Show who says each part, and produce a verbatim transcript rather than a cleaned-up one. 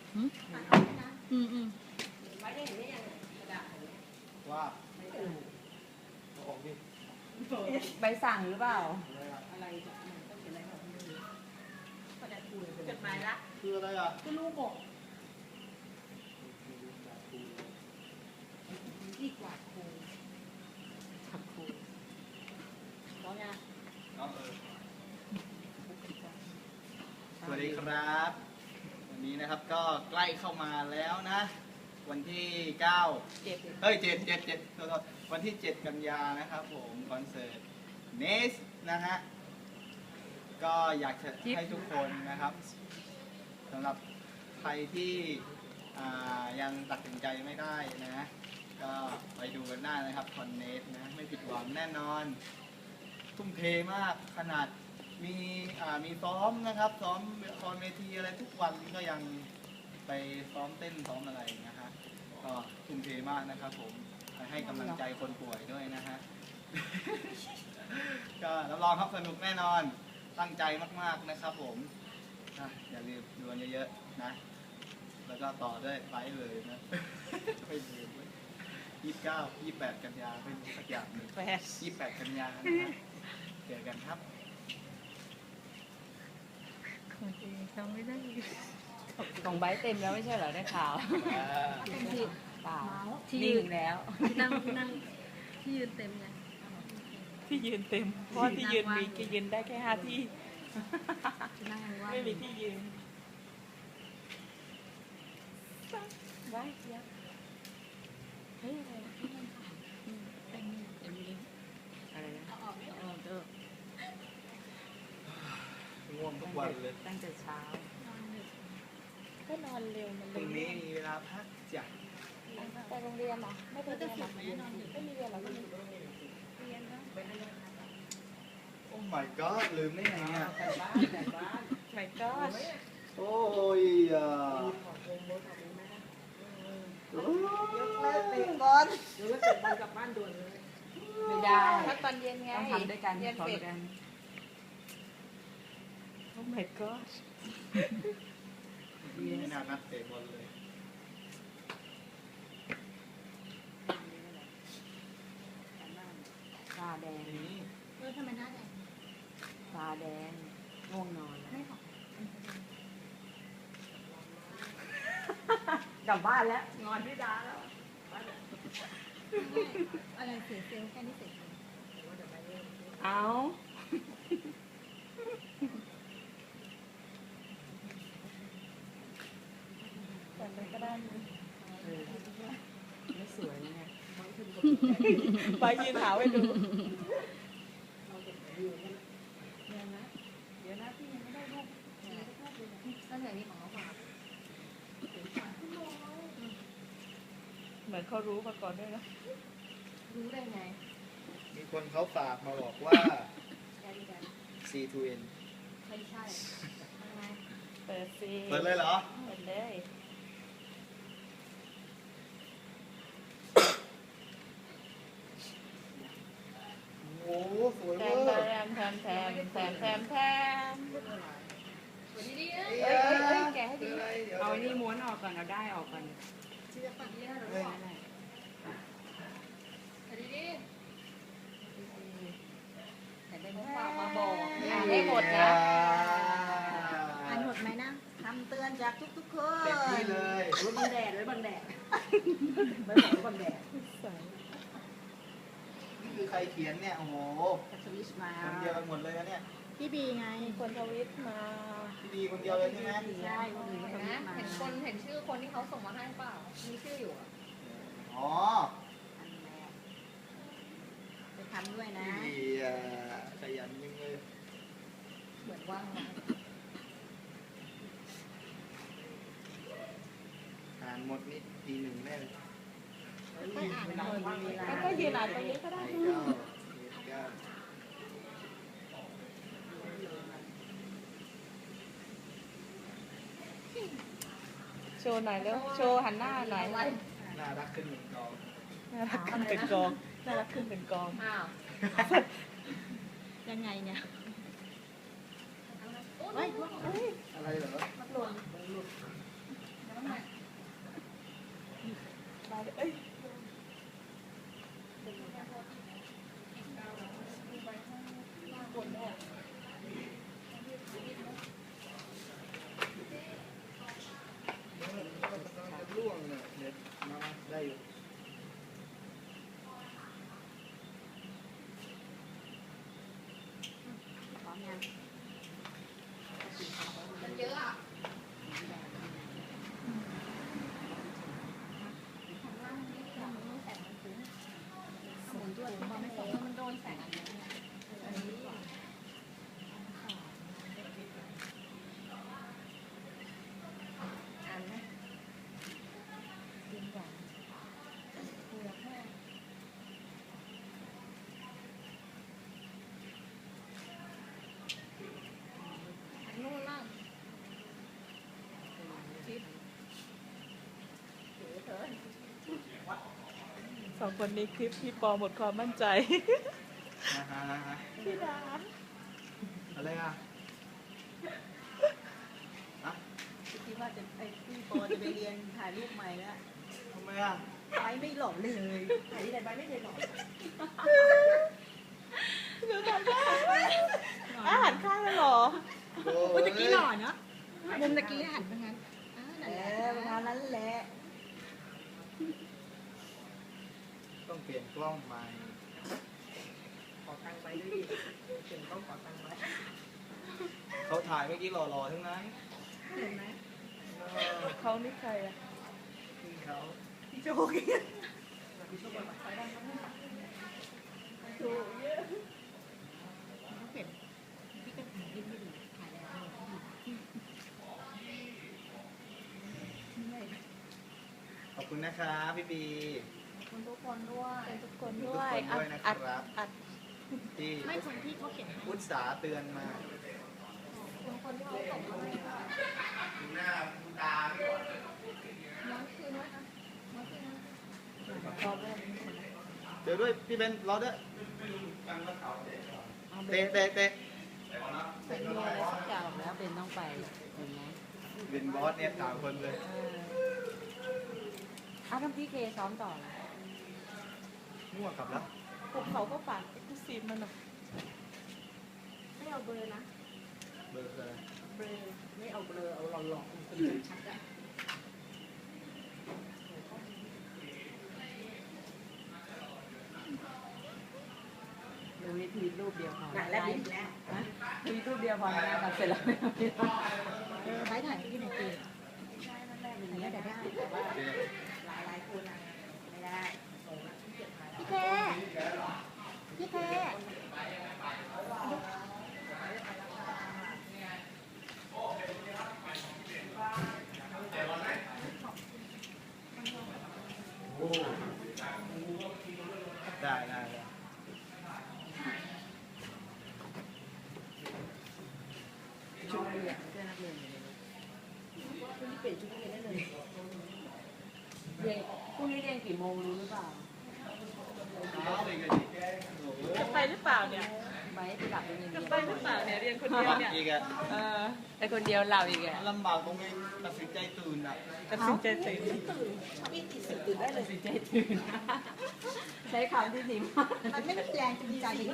Speaker 1: อืมอืมอืม
Speaker 2: ว่าของดิ
Speaker 3: ใบสั่งหรือเปล่า
Speaker 1: อะไรจะต้องเขียนอะไรแบบนี้ก็จะคุยจดหมายละ
Speaker 2: คืออะไรอ่ะ
Speaker 1: คือลูกบอกดีกว่าครูขับครูร้องยัง
Speaker 2: น้องเออสวัสดีครับ วันนี้นะครับก็ใกล้เข้ามาแล้วนะ วันที่เก้า
Speaker 1: เจ็บ
Speaker 2: เฮ้ยเจ็ดเจ็ดเจ็ดโทษๆวันที่เจ็ดกันยานะครับผมคอนเสิร์ตเนสนะฮะก็อยากจะให้ทุกคนนะครับสำหรับใครที่อ่ายังตัดสินใจไม่ได้นะก็ไปดูกันได้นะครับคอนเนสนะไม่ผิดหวังแน่นอน ทุ่มเทมากขนาดมีอ่ามีซ้อมนะครับซ้อมละครเวทีอะไรทุกวันก็ยังไปซ้อมเต้นซ้อมอะไรนะฮะก็ทุ่มเทมากนะครับผมให้กำลังใจคนป่วยด้วยนะฮะ ก็รับรองครับสนุกแน่นอนตั้งใจมากๆนะครับผมอ่ะอย่าลืมดูกันเยอะๆนะแล้วก็ต่อด้วยไลฟ์เลยนะ ไม่ลืมยี่สิบเก้ายี่สิบแปดกันยาเป็นสักอย่างหนึ่ง
Speaker 1: แปด
Speaker 2: ยี่สิบแปดกันยานะครับเจอกันครับ
Speaker 1: จำไม่ได้
Speaker 3: ของใบเต็มแล้วไม่ใช่เหรอได้ข่าว
Speaker 1: เป็นที่
Speaker 3: เปล่า
Speaker 1: ที่
Speaker 3: นิ่
Speaker 1: ยื
Speaker 3: ง
Speaker 1: น
Speaker 3: แล้ว
Speaker 1: ที่นั่งที่นั่งที่ยืนเต็มไง
Speaker 4: ที่ยืนเต็ม เพราะว่าที่ยืนมีก็ยืนได้แค่ห้าที่
Speaker 1: ที่นั่งว่าง
Speaker 4: ไม่มีที่ยืนได้เสียเฮ้ยอะไร
Speaker 1: เต็มเต็มเลย
Speaker 3: อะไรนะ
Speaker 1: เอาออกเอาออกเถอะ
Speaker 2: ง่วงทุกวันเลย
Speaker 3: ตั้งแต่เช้า
Speaker 4: ก็นอนเร็วมัน
Speaker 2: พรุ่งนี้มีเวลาพักจ้ะ
Speaker 4: ไปโรงเรียนเหรอไม่ไปเรียนเหรอไม่มีเรียนเหรอไม่มี
Speaker 1: เรียนนะ
Speaker 2: โอ้ my god ลืมได้ไงเนี่ย
Speaker 4: ไม่ก็
Speaker 2: โอ้ยอ่ะ
Speaker 3: ไม่ได้
Speaker 4: ถ้าตอนเย็นไง
Speaker 3: ต้องทำด้วยกัน
Speaker 4: เรียน
Speaker 3: สอน
Speaker 4: เสร็จ
Speaker 3: กัน
Speaker 4: โอ้ my god
Speaker 2: ไม่น่านัดเตะบอลเลย
Speaker 3: ตาแดง
Speaker 2: นี่
Speaker 1: เออทำไมหน้าแดง
Speaker 3: ตาแดงง่วงนอนแล้ว
Speaker 1: ไม่ขอก
Speaker 3: ลับบ้านแล้วงอนพี่ดาแล้ว
Speaker 1: อะไรเสียเซลล์แค่นี้เสร็จ
Speaker 4: เอา แต่ไปก็ได้
Speaker 3: เออไม่สวยนะเนี่ย
Speaker 4: ไปยืนหาไว้ดู
Speaker 1: เรียนนะเดี๋ยวนะพี่ยังไม่ได้รูปตั้งแต่นี้ของเขาฝาก
Speaker 4: เหมือนเขารู้มาก่อนด้วยนะ
Speaker 1: รู้ได้ไง
Speaker 2: มีคนเขาฝากมาบอกว่า
Speaker 1: แกดีกัน
Speaker 2: ซี ทู เอ็น
Speaker 1: ไม่ใช่ยังไง
Speaker 4: เปิดสิ
Speaker 2: เปิดเลยเหรอ
Speaker 4: เปิดเลย
Speaker 2: โอ้โหสวย
Speaker 4: แท
Speaker 2: เวอ
Speaker 4: ม
Speaker 2: ร์
Speaker 4: แทมแทมแทมแทมแทมแทม
Speaker 1: สวัสดีดีนะ
Speaker 2: เอ้ย
Speaker 4: เอ้ยเอ้ยแกะให้ดี
Speaker 2: คืออะไรเดี๋ยว
Speaker 3: เอาไอ้นี่ม้วนออกก่อนเอาได้ออกก่อน
Speaker 1: ชื่อจะฝันดีนะหรือ
Speaker 2: เฮ้ย
Speaker 1: เปล่าสวัสดีดีแต่ได้มาฝากมาบอก
Speaker 4: อ่านได้หมดนะ
Speaker 1: อ่านหมดไหมนะคำเตือนจากทุกๆคน
Speaker 2: เต็มที่เลย
Speaker 1: ไว้บังแดดไว้บังแดดไว้บอกไว้บังแดด
Speaker 2: นี่คือใครเขียนเนี่ย โอ้โห
Speaker 1: สวิชมา
Speaker 2: คนเดียวกันหมดเลยนะเนี่ย
Speaker 1: พี่บีไง
Speaker 4: คนทวิตมา
Speaker 2: พี่ดีคนเดียวเลยใช่ไหม
Speaker 1: ใช่คนอื่นก็สวิชมา
Speaker 5: เห็นคนเห็นชื่อคนที่เขาส่งมาให้เปล่า มีชื่ออยู่อะ
Speaker 2: อ๋อ
Speaker 1: อันแรกจะทำด้วยนะ
Speaker 2: พี่ดีอ่ะขยันยังเลย
Speaker 5: เหมือนว่างมา
Speaker 2: อ่านหมดนี่ทีหนึ่งแน่เลย
Speaker 1: ค่อยอ่านหน่อยมีเวลา
Speaker 4: แล้วก็ยืนอ่านตรงนี้ก็ได้
Speaker 2: ไอ้เก้าไอ้เก้า
Speaker 4: โชว์หน่อยเร็วโชว์หันหน้าหน่อย
Speaker 5: อะไร
Speaker 2: น่ารักขึ้นหนึ่งกอง
Speaker 4: น่ารักขึ้นเป็นกองน่ารักขึ้นเป็นกอง
Speaker 5: อ้าว
Speaker 1: ยังไงเนี่ย
Speaker 5: โอ้
Speaker 1: เฮ้ย
Speaker 5: ย
Speaker 2: อะไรเหรอ
Speaker 5: หล่น
Speaker 4: สองคนนี้คลิปพี่ปอหมดความมั่นใจ
Speaker 2: นะฮะนะฮะ
Speaker 4: พี่ดา
Speaker 2: อะไรอ่ะอะ
Speaker 1: คิดว่าจะไอ้พี่ปอจะไปเรียนถ่ายรูปใหม่แล้ว
Speaker 2: ทำไมอ่ะ
Speaker 1: ไปไม่หล่อเลยถ่ายที่ไหนไปไม่เคยหล่อ
Speaker 4: หนูทำได้อาหารข้างเลยเหรอ
Speaker 2: โอ้
Speaker 1: เมื่อกี้หล่อเนาะมุมตะกี้หันไปงั้นอ่านั่นแหละประมาณนั้นแหละ
Speaker 2: ต้องเปลี่ยนกล้องใหม่
Speaker 1: ขอตังค์ไปด้วยดิเขียนต้องขอตังค์ไว้
Speaker 2: เขาถ่ายเมื่อกี้หล่อๆทั้งนั้น
Speaker 1: เห็นไหม
Speaker 2: เออ
Speaker 4: เขานี่ใครอะ
Speaker 2: พี่เขา
Speaker 1: พี่โจ๊กพี่โจ๊กบอกว่าไปได้ครับถูกเยอะต้องเปลี่ยนพี่ก็ถ่ายดิ้นไม่ดีถ่ายแล้วเหนื่อย
Speaker 2: ขอบคุณนะครับพี่ปี
Speaker 5: ขอบคุณทุกคนด้วย
Speaker 4: ทุกคน
Speaker 2: ทุก
Speaker 4: ด้วย
Speaker 2: คนด้วยนะค
Speaker 4: อัด
Speaker 2: รับ
Speaker 4: อัด
Speaker 2: ที่
Speaker 5: ไม่คนที่เขาเขียนให้
Speaker 2: อุตสาห์เตือนมา
Speaker 5: คนคนที่เขาส่งมาให้ค่ะ
Speaker 2: ดูหน้าดูตาไม่ก่อน
Speaker 5: น้องคืนด้วยนะน้องคืนนะ
Speaker 4: พอเริ่ม
Speaker 2: เดี๋ยวด้วยพี่เบนรอด้วย
Speaker 4: เอาเบ
Speaker 2: เตะ
Speaker 4: น
Speaker 2: เตะเตะ
Speaker 4: เป็นมีอะไรสักอย่างแล้วเบนต้องไปเห็นไหม
Speaker 2: เป็นบอสเนี่ยสามคนเลย
Speaker 4: เอออ้าวทำพี่เคซ้อมต่อนะ
Speaker 2: มั่วกลับแล้ว
Speaker 4: พวกเขาก็ฝากเอ็กซ์คลูซีฟมาหน่อย
Speaker 5: ไม่เอาเบอร์นะ
Speaker 2: เบอร์เลย
Speaker 1: เบลอไม่เอาเบลอเอาหล่อๆคนชัดอะ
Speaker 3: ดูวิธีรูปเดียวพอ
Speaker 1: หนักแล้วบินแล้ว
Speaker 3: ดูรูปเดียวพอนะตัดเสร็จแล้ว
Speaker 1: เออไปถ่ายที่ไหนตีใช่นั่นแหละอย่างเงี้ยแต่ได้แต่ว่าหลายหลายคนอะไม่ได้ส่งแล้วที่เก็บมา
Speaker 5: พี่เคพี่เค
Speaker 2: ได้ได้ได้
Speaker 3: ชุดนักเรียนเสื้อนักเรียนอยู่ในรถ
Speaker 1: คุณที่เปลี่ยนชุดนักเรียนได้เลย
Speaker 3: เรียนพรุ่งนี้เรียนกี่โมงรู้หรือเปล่า
Speaker 2: เอาไปกันดิโอ้โห
Speaker 4: จะไปหรือเปล่าเนี่ย
Speaker 3: ไปกลับไปเรียน
Speaker 4: จะ
Speaker 3: เดียว
Speaker 4: ไปหรือเปล่าเนี่ยเรียนคนเดียวเนี่ย
Speaker 2: อีกอะ
Speaker 4: เออ
Speaker 3: ไปคนเดียวเราอีกอ่ะ
Speaker 2: ลำบากตรงนี้ตัดสินใจตื่นอ่ะ
Speaker 4: ตัดสินใจตื่น
Speaker 1: ตื่นชอบอีกตีสี่ตื่นได้เลย
Speaker 3: ตัดสินใจตื่นใช้คำที่ดีมาก
Speaker 1: มันไม่มีแรงจูงใจที่